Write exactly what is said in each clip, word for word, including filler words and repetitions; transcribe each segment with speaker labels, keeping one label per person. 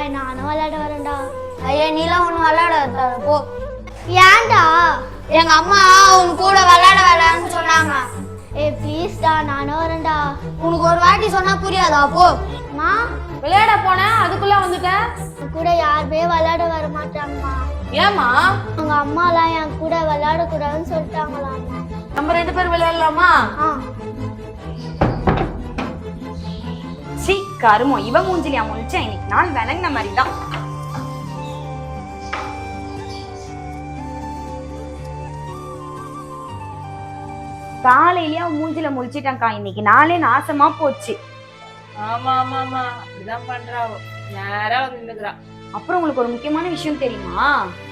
Speaker 1: பாய் நானும் விளையாட வரேன்டா.
Speaker 2: ஐயா நீலாம் ஒன்றும் விளையாட போ.
Speaker 1: ஏன்டா?
Speaker 2: எங்க அம்மா உன் கூட விளையாட விளையாடுன்னு சொன்னாங்க.
Speaker 1: ஏ ப்ளீஸ்டா நானும் வரேன்டா.
Speaker 2: உனக்கு ஒரு வாட்டி சொன்னா புரியாதா? போ.
Speaker 1: மா
Speaker 3: விளையாட போனேன் அதுக்குள்ள வந்துட்ட.
Speaker 1: கூட யாருமே விளையாட வர மாட்டாங்கம்மா.
Speaker 3: ஏமா?
Speaker 1: உங்க அம்மா எல்லாம் என் கூட விளையாட கூடாதுன்னு சொல்லிட்டாங்களாம்மா.
Speaker 3: நம்ம ரெண்டு பேரும் விளையாடலாமா?
Speaker 1: ஆ
Speaker 4: சி கருமோ இவ மூஞ்சிலியா முழிச்சா இன்னைக்கு நாள் விளங்கின மாதிரி தான். காலையிலயே அவன் மூஞ்சில முழிச்சிட்டான்க்கா. இன்னைக்கு நாளே நாசமா போச்சு.
Speaker 3: ஆமா ஆமா ஆமா அப்படிதான் பண்றாவோ. நேரா வந்து நின்னுக்குறா.
Speaker 4: அப்புறம் உங்களுக்கு ஒரு முக்கியமான விஷயம் தெரியுமா?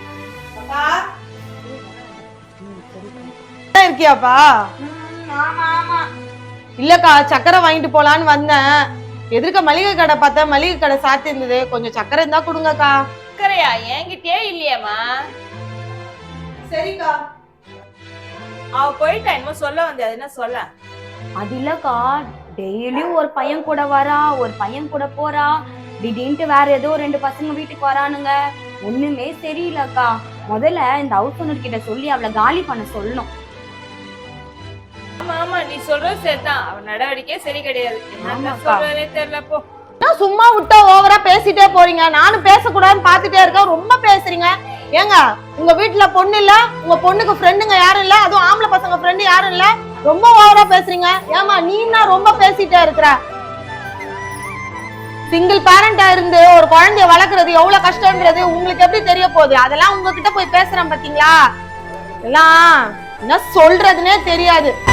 Speaker 5: இருக்கியாப்பா?
Speaker 4: ஆமா ஆமா.
Speaker 5: இல்லக்கா சக்கரை வாங்கிட்டு போலான்னு வந்தேன். எதிர்க்க மளிகை கடை பார்த்தா மளிகை கடை சாத்தி இருந்தது. கொஞ்சம் சக்கரை இருந்தா கொடுங்கக்கா.
Speaker 3: சக்கரையா? என்கிட்டயே இல்லையாமா?
Speaker 5: சரிக்கா.
Speaker 3: அவ போயிட்டா. என்னமோ சொல்ல வந்தே, அது என்ன சொல்ல?
Speaker 4: அது இல்லக்கா, டெய்லியும் ஒரு பையன் கூட வரா, ஒரு பையன் கூட போறா, திடீர்னு வேற ஏதோ ரெண்டு பசங்க வீட்டுக்கு வரானுங்க. ஒண்ணுமே சரியில்லக்கா. முதல்ல இந்த ஹவுஸ் ஓனர் கிட்ட சொல்லி அவளை காலி பண்ண சொல்லணும்.
Speaker 3: ஆமா ஆமா நீ சொல்றது சரிதான். அவன் நடவடிக்கை சரி கிடையாது. என்ன சொல்றதே தெரியல. போ.
Speaker 5: சும்மா விட்டா ஓவரா பேசிட்டே போறீங்க. நானும் பேசக்கூடாதுன்னு பாத்துட்டே இருக்கேன். ரொம்ப பேசுறீங்க. ஏங்க உங்க வீட்டுல பொண்ணு இல்ல, உங்க பொண்ணுக்கு ஃப்ரெண்டுங்க யாரும் இல்ல, அதுவும் ஆம்பளை பசங்க ஃப்ரெண்டு யாரும் இல்ல, ரொம்ப ஓவரா பேசுறீங்க. ஏமா நீனா ரொம்ப பேசிட்டே இருக்கிற. சிங்கிள் பேரண்டா இருந்து ஒரு குழந்தைய வளர்க்கறது எவ்வளவு கஷ்டம்ன்றது உங்களுக்கு எப்படி தெரிய போகுது? அதெல்லாம் உங்ககிட்ட போய் பேசுறேன் பாத்தீங்களா? எல்லாம் என்ன சொல்றதுன்னே தெரியாது.